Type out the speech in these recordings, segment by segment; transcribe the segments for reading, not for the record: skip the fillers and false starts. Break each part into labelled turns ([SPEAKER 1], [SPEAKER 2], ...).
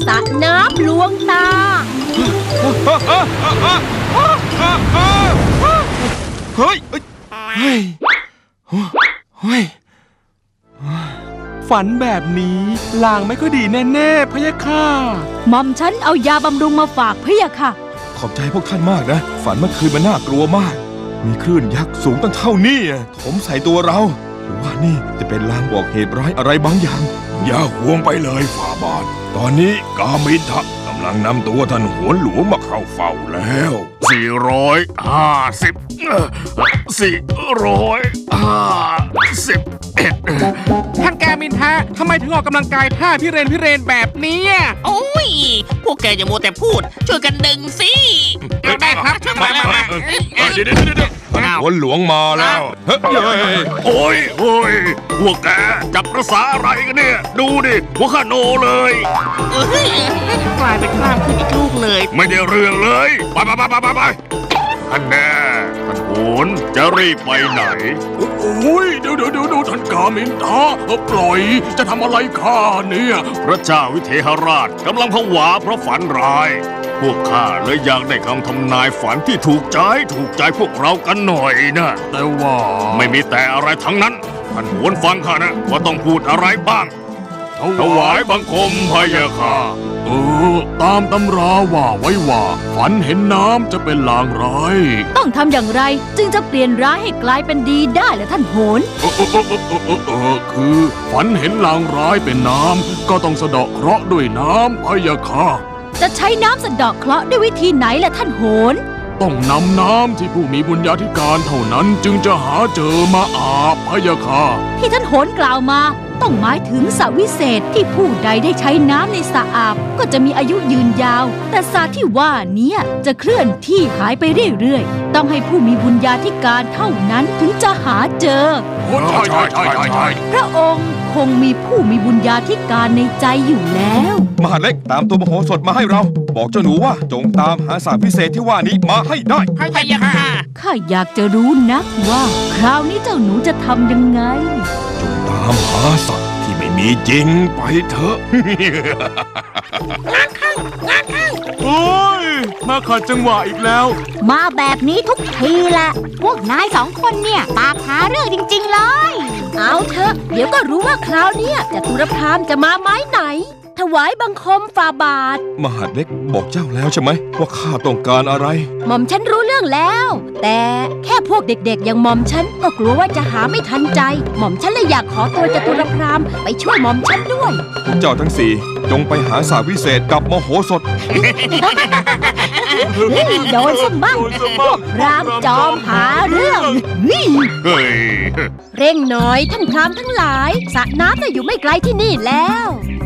[SPEAKER 1] สระน้ำลวงตา
[SPEAKER 2] เฮ้ยฝันแบบนี้ลางไม่ค่อยดีแน่ๆพะยะค่ะ
[SPEAKER 1] หม่อมฉันเอายาบำรุงมาฝากพะยะค่ะ
[SPEAKER 2] ขอบใจพวกท่านมากนะฝันเมื่อคืนมันน่ากลัวมากมีคลื่นยักษ์สูงตั้งเท่านี้ถมใส่ตัวเราหรือว่านี่จะเป็นลางบอกเหตุร้ายอะไรบางอย่าง
[SPEAKER 3] อย่าห่วงไปเลยฝ่าบาทตอนนี้กามินทะกำลังนำตัวท่านโหนหลวงมาเข้าเฝ้าแล้ว
[SPEAKER 4] ท่านกามินทะทำไมถึงออกกำลังกายท่าพิเรนแบบนี้
[SPEAKER 5] โอ้ยพวกแกอย่ามัวแต่พูดช่วยกันดึงสิ
[SPEAKER 4] เอาได้ครับช่วยมา
[SPEAKER 3] เดี๋ยวโหนหลวงมาแล้วโอ้ยพวกแกจับภาษาอะไรกันเนี่ยดูดิหัวข้าโนเลย
[SPEAKER 5] กลายเป็นกล้ามขึ้นอีกลูกเลย
[SPEAKER 3] ไม่ได้เรื่องเลยไปท่านแน่ท่านโหนจะรีบไปไหนโอ้ยเดี๋ยวท่านกามินทะปล่อยจะทำอะไรข้าเนี่ยพระเจ้าวิเทหราชกำลังผวาเพราะฝันร้ายพวกข้าเลยอยากได้คำทำนายฝันที่ถูกใจพวกเรากันหน่อยนะแต่ว่าไม่มีแต่อะไรทั้งนั้นท่านโหนฟังข้านะว่าต้องพูดอะไรบ้างถวายบังคมพะยะค่ะตามตำราว่าไว้ว่าฝันเห็นน้ำจะเป็นลางร้าย
[SPEAKER 1] ต้องทำอย่างไรจึงจะเปลี่ยนร้ายให้กลายเป็นดีได้ล่ะท่านโหน
[SPEAKER 3] คือฝันเห็นลางร้ายเป็นน้ำก็ต้องสะเดาะเคราะห์ด้วยน้ำพะยะค่ะ
[SPEAKER 1] จะใช้น้ำสะเดาะเคราะห์ด้วยวิธีไหนล่ะท่านโหน
[SPEAKER 3] ต้องนำน้ำที่ผู้มีบุญญาธิการเท่านั้นจึงจะหาเจอมาอาบพะยะค่ะ
[SPEAKER 1] ที่ท่านโหนกล่าวมาต้องหมายถึงสระวิเศษที่ผู้ใดได้ใช้น้ำในสระอาบก็จะมีอายุยืนยาวแต่สระที่ว่านี้จะเคลื่อนที่หายไปเรื่อยๆต้องให้ผู้มีบุญญาธิการเท่านั้นถึงจะหาเจอ
[SPEAKER 3] ใช่
[SPEAKER 1] พระองค์คงมีผู้มีบุญญาธิการในใจอยู่แล้ว
[SPEAKER 2] มหาเล็กตามตัวมโหสถมาให้เราบอกเจ้าหนูว่าจงตามหาสระพิเศษที่ว่านี้มาให้ได้
[SPEAKER 5] พะยะค่ะ
[SPEAKER 1] ข้าอยากจะรู้นักว่าคราวนี้เจ้าหนูจะทำยังไง
[SPEAKER 3] จงตามหาสัตว์ที่ไม่มีจริงไปเถอะ
[SPEAKER 5] งานเข้า
[SPEAKER 2] โอ้ยมาขัดจังหวะอีกแล้ว
[SPEAKER 1] มาแบบนี้ทุกทีแหละพวกนายสองคนเนี่ยปากหาเรื่องจริงๆเลยเอาเถอะเดี๋ยวก็รู้ว่าคราวนี้จตุรพรามจะมาไม้ไหนถวายบังคมฝ่าบาท
[SPEAKER 2] มหาเล็กบอกเจ้าแล้วใช่ไหมว่าข้าต้องการอะไร
[SPEAKER 1] หม่อมฉันรู้เรื่องแล้วแต่แค่พวกเด็กๆอย่างหม่อมฉันก็กลัวว่าจะหาไม่ทันใจหม่อมฉันเลยอยากขอตัวจตุรพรามไปช่วยหม่อมฉันด้วย
[SPEAKER 2] เจ้าทั้งสี่จงไปหาสระวิเศษกับมโหสถ
[SPEAKER 1] โดนสมั่งพวกพรามจอมหาเรื่องเร่งหน่อยท่านพรามทั้งหลายสระน้ำน่ะอยู่ไม่ไกลที่นี่แล้ว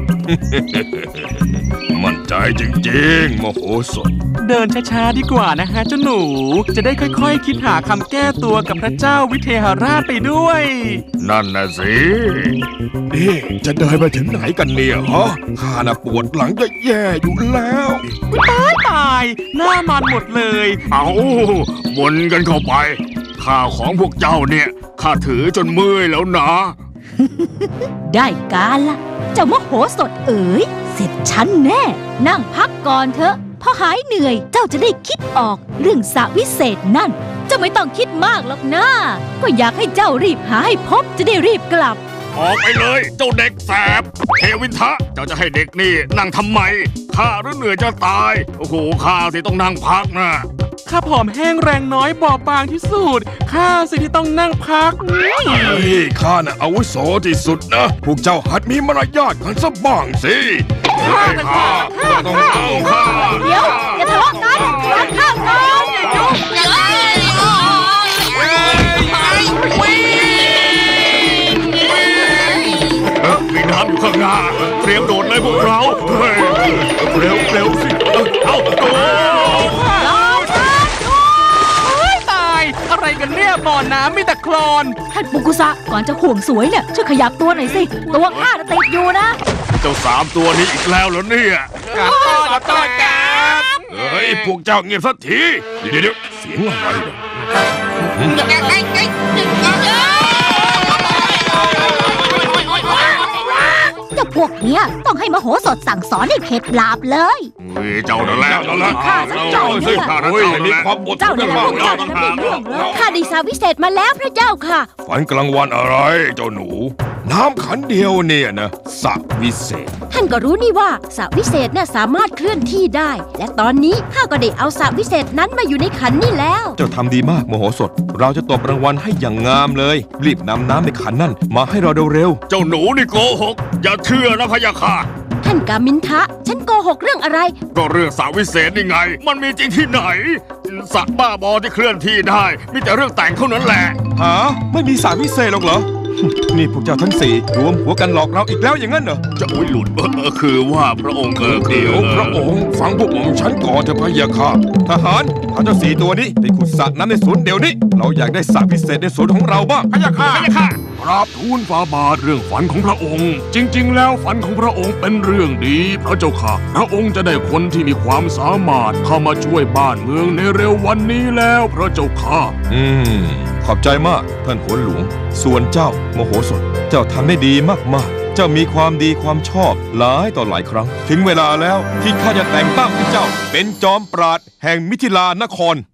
[SPEAKER 3] มั่นใจจริงๆมโหสถ
[SPEAKER 4] เดินช้าๆดีกว่านะฮะเจ้าหนูจะได้ค่อยๆคิดหาคำแก้ตัวกับพระเจ้าวิเทหราชไปด้วย
[SPEAKER 3] นั่นน่ะสินี่จะเดินไปถึงไหนกันเนี่ยฮะข้าน่ะปวดหลังจะแย่อยู่แล้ว
[SPEAKER 4] ตายหน้ามันหมดเลย
[SPEAKER 3] เอาวนกันเข้าไปข้าวของพวกเจ้าเนี่ยข้าถือจนเมื่อยแล้วนะ
[SPEAKER 1] ได้การละเจ้ามโหสถเอ๋ยเสร็จฉันแน่นั่งพักก่อนเถอะพอหายเหนื่อยเจ้าจะได้คิดออกเรื่องสระวิเศษนั่นเจ้าไม่ต้องคิดมากหรอกนะก็อยากให้เจ้ารีบหาให้พบจะได้รีบกลับ
[SPEAKER 3] ออกไปเลยเจ้าเด็กแสบเทวินทะเจ้าจะให้เด็กนี่นั่งทำไมข้าหรือเหนื่อยจะตายโอ้โหข้าสิต้องนั่งพักนะ
[SPEAKER 4] ข้าผอมแห้งแรงน้อยบอบบางที่สุดข้าสิที่ต้องนั่งพัก
[SPEAKER 3] ข้าน่ะอาวุโสที่สุดนะพวกเจ้าหัดมีมารยาทกันสักบ้างสิ
[SPEAKER 4] ข้า
[SPEAKER 3] ต้องเอาข้า
[SPEAKER 1] เดี๋ยวอย่าทะเลาะกันรับข้าก่อน
[SPEAKER 3] มีน้ำอยู่ข้างหน้าเตรียมโดดเลยพวกเราเร็วสิเอาโดด
[SPEAKER 4] ตายอะไรกันเนี่ยบ่อน้ำมีแต่โคลน
[SPEAKER 1] ท่านปุกุสะก่อนจะห่วงสวยเนี่ยช่วยขยับตัวหน่อยสิตัวข้าติดอยู่นะ
[SPEAKER 3] เจ้า3ตัวนี้อีกแล้วเหรอเนี่ย
[SPEAKER 4] ขอโทษครับ
[SPEAKER 3] เฮ้ยพวกเจ้าเงียบสักทีเดี๋ยวเสียงอะไรเนี่ย
[SPEAKER 1] เจ้าพวกเนี้ยต้องให้มโหสถสั่งสอนให้เข็ดหลาบเลย
[SPEAKER 3] เฮ้ยเจ้านั่นแหละนั่นแหละ
[SPEAKER 1] ข้าสักเจ้าเนี่ย
[SPEAKER 3] ข้านั่น
[SPEAKER 2] เฮ้ย
[SPEAKER 3] เจ้านั่น
[SPEAKER 2] มี
[SPEAKER 3] แหละ
[SPEAKER 2] ความอดท
[SPEAKER 1] เจ้าน เนี่ย
[SPEAKER 2] กัน
[SPEAKER 1] นะ
[SPEAKER 2] บ้า
[SPEAKER 1] พ
[SPEAKER 2] ง
[SPEAKER 1] วก
[SPEAKER 2] นะ
[SPEAKER 1] เจ้าเนี่ยนะไม่เรื่องเลย
[SPEAKER 6] ข้าได้สาวิเศษมาแล้วพระเจ้าค่ะ
[SPEAKER 2] ฝันกลางวันอะไรเจ้าหนู น้ำขันเดียวเนี่ยนะสระวิเศษ
[SPEAKER 6] ท่านก็รู้นี่ว่าสระวิเศษน่ะสามารถเคลื่อนที่ได้ และตอนนี้ข้าก็ได้เอาสระวิเศษนั้นมาอยู่ในขันนี่แล้ว
[SPEAKER 2] เจ้าทำดีมากโมโหสถ เราจะตบรางวัลให้อย่างงามเลย รีบนำน้ำในขันนั่นมาให้เราเร็ว
[SPEAKER 3] เจ้าหนูนี่โกหก อย่าเชื่อนะพะยะค่ะ
[SPEAKER 6] ท่านกามินทะ ฉันโกหกเรื่องอะไร
[SPEAKER 3] ก็เรื่องสระวิเศษนี่ไง มันมีจริงที่ไหนสระบ้าบอที่เคลื่อนที่ได้ มีแต่เรื่องแต่งเท่านั้นแหละ
[SPEAKER 2] ๆหาไม่มีสระวิเศษหรอกเหรอ นี่พวกเจ้าทั้งสี่รวมหัวกันหลอกเราอีกแล้วอย่างนั้นเหรอ
[SPEAKER 3] จะอุ้ยหลุดคือว่าพระองค์
[SPEAKER 2] เดี๋ยวพระองค์ฟังพวกผมฉันก่อนเถอะพะยะค่ะทหารพาเจ้าสี่ตัวนี้ไปขุดสระน้ำในสวนเดี๋ยวนี้ เราอยากได้สระพิเศษในสวนของเราบ้าง
[SPEAKER 3] พะยะค่ะพะยะค่ะกราบทูลฝ่าบาทเรื่องฝันของพระองค์ จริง ๆ แล้วฝันของพระองค์เป็นเรื่องดีพระเจ้าค่ะ พระองค์จะได้คนที่มีความสามารถเข้ามาช่วยบ้านเมืองในเร็ววันนี้แล้วพระเจ้าค่ะ
[SPEAKER 2] ขอบใจมากท่านโหนหลวง ส่วนเจ้าโมโหสถ เจ้าทำได้ดีมากๆ เจ้ามีความดีความชอบหลายต่อหลายครั้ง ถึงเวลาแล้วที่ข้าจะแต่งตั้งเจ้าเป็นจอมปราดแห่งมิถิลานคร